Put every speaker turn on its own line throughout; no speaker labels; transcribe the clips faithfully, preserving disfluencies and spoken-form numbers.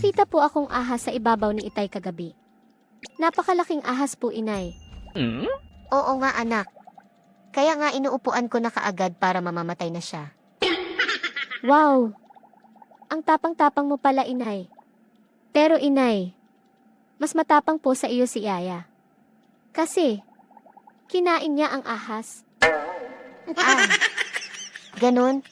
nakita po akong ahas sa ibabaw ni Itay kagabi. Napakalaking ahas po, inay.
Hmm?
Oo nga anak. Kaya nga inuupuan ko na kaagad para mamamatay na siya.
Wow! Ang tapang-tapang mo pala, inay. Pero inay, mas matapang po sa iyo si Yaya. Kasi, kinain niya ang ahas.
Ah, ganun?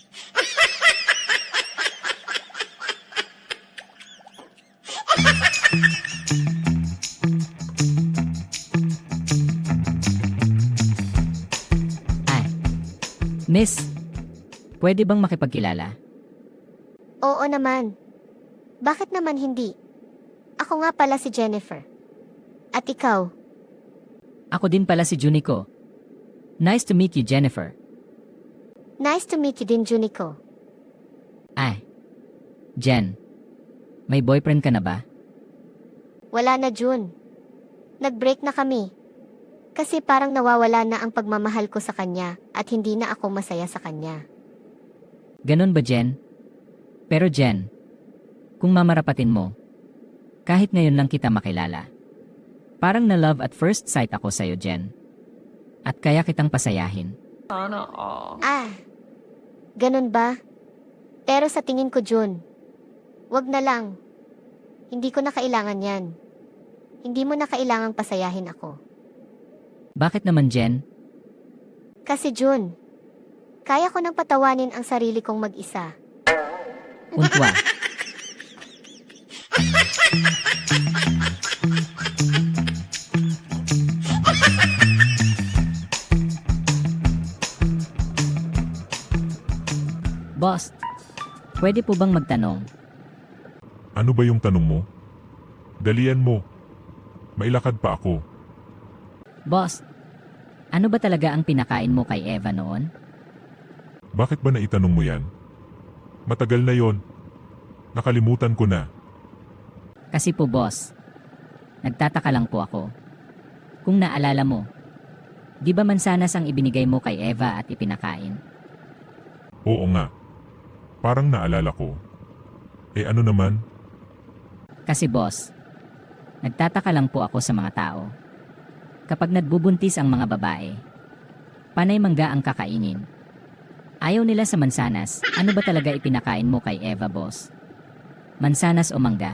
Ay. Miss, pwede bang makipagkilala?
Oo naman. Bakit naman hindi? Ako nga pala si Jennifer. At ikaw?
Ako din pala si Juniko. Nice to meet you, Jennifer.
Nice to meet you din, Juniko.
Ay. Jen, may boyfriend ka na ba?
Wala na, Jun. Nag-break na kami. Kasi parang nawawala na ang pagmamahal ko sa kanya at hindi na ako masaya sa kanya.
Ganon ba, Jen? Pero Jen, kung mamarapatin mo, kahit ngayon lang kita makilala, parang na love at first sight ako sa'yo, Jen. At kaya kitang pasayahin.
Ah, ganun ba? Pero sa tingin ko, Jun, wag na lang. Hindi ko na kailangan yan. Hindi mo na kailangang pasayahin ako.
Bakit naman, Jen?
Kasi Jun, kaya ko nang patawanin ang sarili kong mag-isa.
Untwa. Boss, pwede po bang magtanong?
Ano ba yung tanong mo? Dalian mo. Mailakad pa ako.
Boss, ano ba talaga ang pinakain mo kay Eva noon?
Bakit ba naitanong mo yan? Matagal na yon. Nakalimutan ko na.
Kasi po boss, nagtataka lang po ako. Kung naalala mo, di ba mansanas ang ibinigay mo kay Eva at ipinakain?
Oo nga. Parang naalala ko. Eh ano naman?
Kasi boss, nagtataka lang po ako sa mga tao. Kapag nagbubuntis ang mga babae, panay mangga ang kakainin. Ayaw nila sa mansanas, ano ba talaga ipinakain mo kay Eva, boss? Mansanas o mangga?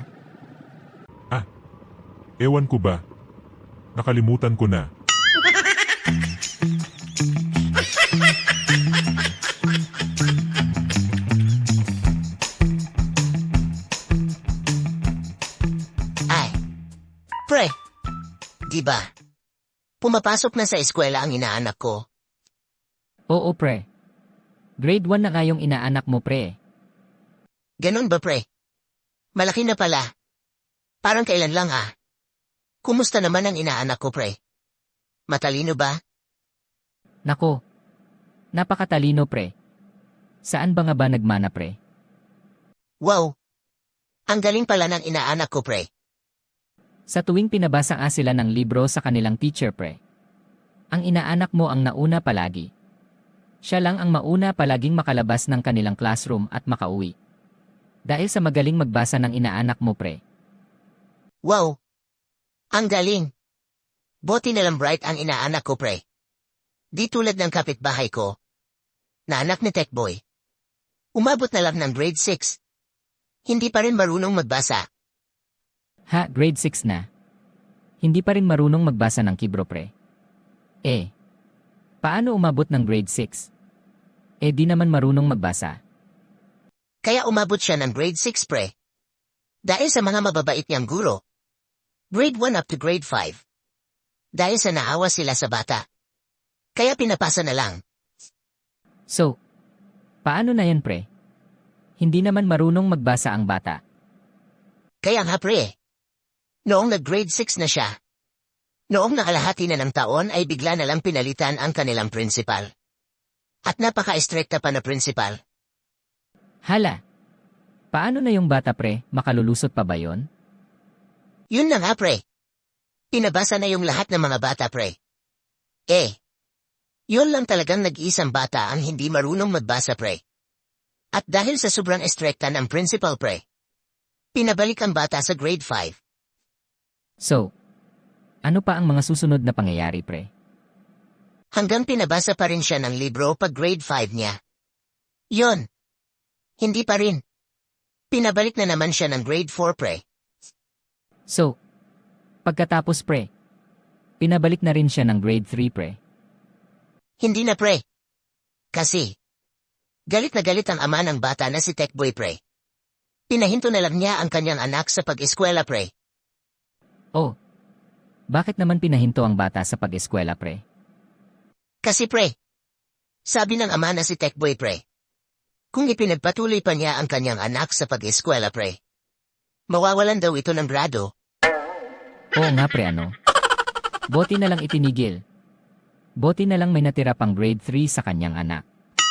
Ewan ko ba? Nakalimutan ko na.
Ay, pre, di ba? Pumapasok na sa eskwela ang inaanak ko.
Oo, pre. Grade one na kayong inaanak mo, pre.
Ganon ba, pre? Malaki na pala. Parang kailan lang ah. Kumusta naman ang inaanak ko, pre? Matalino ba?
Nako, napakatalino, pre. Saan ba nga ba nagmana, pre?
Wow! Ang galing pala ng inaanak ko, pre.
Sa tuwing pinabasa nga sila ng libro sa kanilang teacher, pre. Ang inaanak mo ang nauna palagi. Siya lang ang mauna palaging makalabas ng kanilang classroom at makauwi. Dahil sa magaling magbasa ng inaanak mo, pre.
Wow! Ang galing! Buti na lang bright ang inaanak ko, pre. Di tulad ng kapitbahay ko, na anak ni Techboy. Umabot na lang ng grade six. Hindi pa rin marunong magbasa.
Ha, grade six na. Hindi pa rin marunong magbasa ng kibro, pre. Eh, paano umabot ng grade six? Eh di naman marunong magbasa.
Kaya umabot siya ng grade six, pre. Dahil sa mga mababait niyang guro. Grade one up to grade five. Dahil sa naawa sila sa bata. Kaya pinapasa na lang.
So, paano na yan, pre? Hindi naman marunong magbasa ang bata.
Kaya nga, pre. Noong nag-grade six na siya. Noong nakalahati na ng taon ay bigla na lang pinalitan ang kanilang principal. At napaka-estrikta pa na principal.
Hala, paano na yung bata, pre? Makalulusot pa ba yon?
Yun na nga, pre. Pinabasa na yung lahat ng mga bata, pre. Eh, yun lang talagang nag-iisang bata ang hindi marunong magbasa, pre. At dahil sa sobrang estrikta ng principal, pre, Pinabalik ang bata sa grade five.
So, ano pa ang mga susunod na pangyayari, pre?
Hanggang pinabasa pa rin siya ng libro pag grade five niya. Yon. Hindi pa rin. Pinabalik na naman siya ng grade four, pre.
So, pagkatapos, pre, pinabalik na rin siya ng grade three, pre.
Hindi na, pre. Kasi, galit na galit ang ama ng bata na si Techboy, pre. Pinahinto na lang niya ang kanyang anak sa pag-eskwela, pre.
Oh, bakit naman pinahinto ang bata sa pag-eskwela, pre?
Kasi, pre, sabi ng ama na si Techboy, pre, kung ipinagpatuloy pa niya ang kanyang anak sa pag-eskwela, pre, mawawalan daw ito ng grado.
Oo nga, pre, ano? Boti na lang itinigil. Boti na lang may natira pang grade three sa kanyang anak.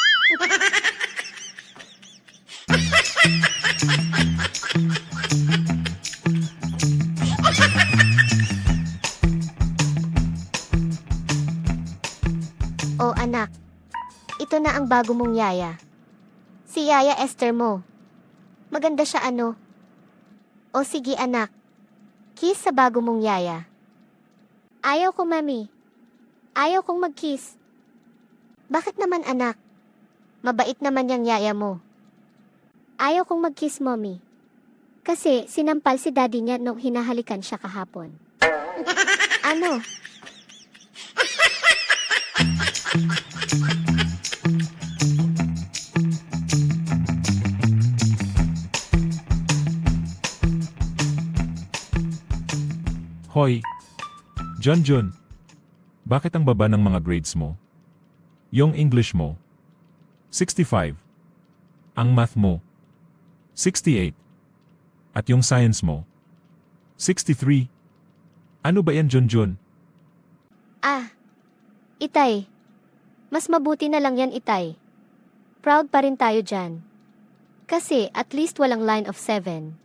O anak, ito na ang bago mong yaya. Si Yaya Esther mo. Maganda siya ano. O sige anak, kiss sa bago mong yaya.
Ayaw ko, mami. Ayaw kong mag-kiss.
Bakit naman anak? Mabait naman yung yaya mo.
Ayaw kong mag-kiss, mommy. Kasi sinampal si daddy niya nung hinahalikan siya kahapon.
Ano?
Hoy! John John! Bakit ang baba ng mga grades mo? Yung English mo? sixty-five. Ang math mo? sixty-eight. At yung science mo? sixty-three. Ano ba yan, John John?
Ah, Itay. Mas mabuti na lang yan, Itay. Proud pa rin tayo dyan. Kasi at least walang line of seven.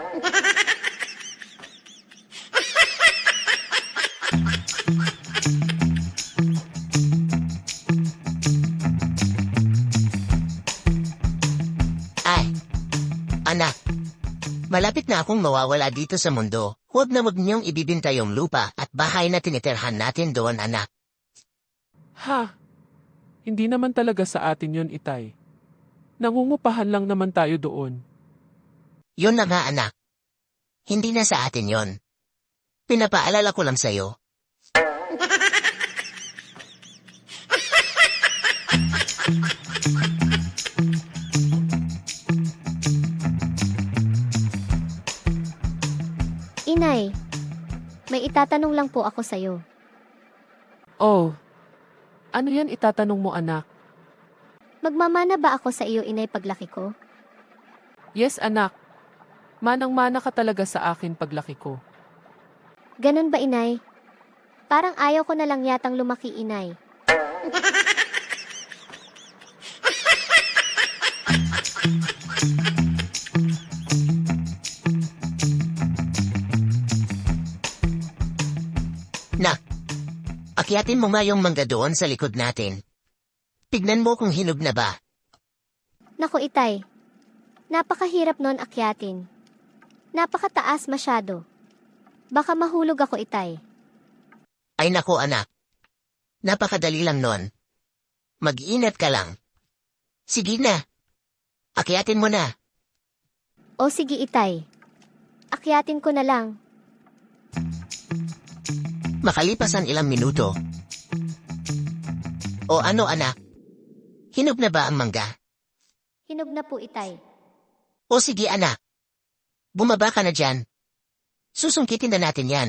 Ay, anak. Malapit na akong mawawala dito sa mundo. Huwag na huwag niyong ibibinta yung lupa at bahay na tinitirhan natin doon, anak.
Ha? Hindi naman talaga sa atin yun, Itay. Nangungupahan lang naman tayo doon.
Yun na nga, anak. Hindi na sa atin yon. Pinapaalala ko lang sa'yo.
Inay, may itatanong lang po ako sa'yo.
Oh, ano yan itatanong mo, anak?
Magmamana ba ako sa iyo, inay, paglaki ko?
Yes, anak. Manang-mana ka talaga sa akin paglaki ko.
Ganun ba, inay? Parang ayaw ko na lang yatang lumaki, inay.
Nak, akyatin mo nga yung mangga doon sa likod natin. Tignan mo kung hinog na ba.
Naku, itay. Napakahirap nun akyatin. Napakataas masyado. Baka mahulog ako, itay.
Ay nako, anak. Napakadali lang nun. Mag-ingat ka lang. Sige na. Akyatin mo na.
O sige, itay. Akyatin ko na lang.
Makalipas ang ilang minuto. O ano, anak? Hinog na ba ang mangga?
Hinog na po, itay.
O sige, anak. Bumaba ka na dyan. Susungkitin na natin yan.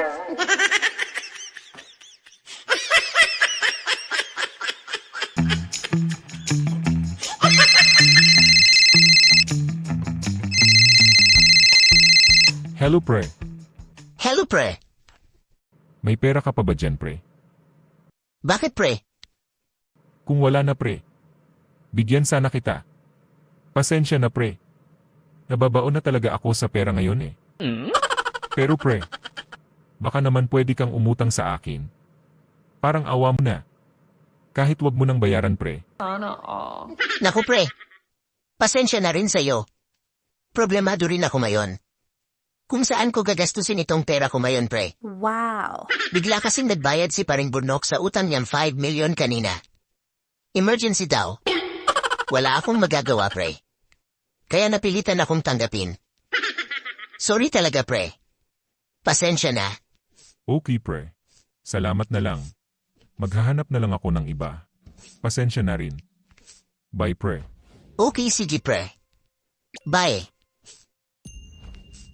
Hello, pre.
Hello, pre.
May pera ka pa ba dyan, pre?
Bakit, pre?
Kung wala na, pre. Bigyan sana kita. Pasensya na, pre. Nababaon na talaga ako sa pera ngayon eh. Pero pre, baka naman pwede kang umutang sa akin. Parang awa mo na. Kahit wag mo nang bayaran, pre.
Naku, pre. Pasensya na rin sa'yo. Problemado rin ako ngayon. Kung saan ko gagastusin itong pera ko ngayon, pre.
Wow.
Bigla kasing nagbayad si paring Burnok sa utang niyang five million kanina. Emergency daw. Wala akong magagawa, pre. Kaya napilitan akong tanggapin. Sorry talaga, pre. Pasensya na.
Okay, pre. Salamat na lang. Maghahanap na lang ako ng iba. Pasensya na rin. Bye, pre.
Okay, sige, pre. Bye.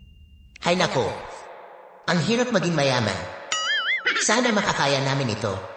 Hay nako. Ang hirap maging mayaman. Sana makakaya namin ito.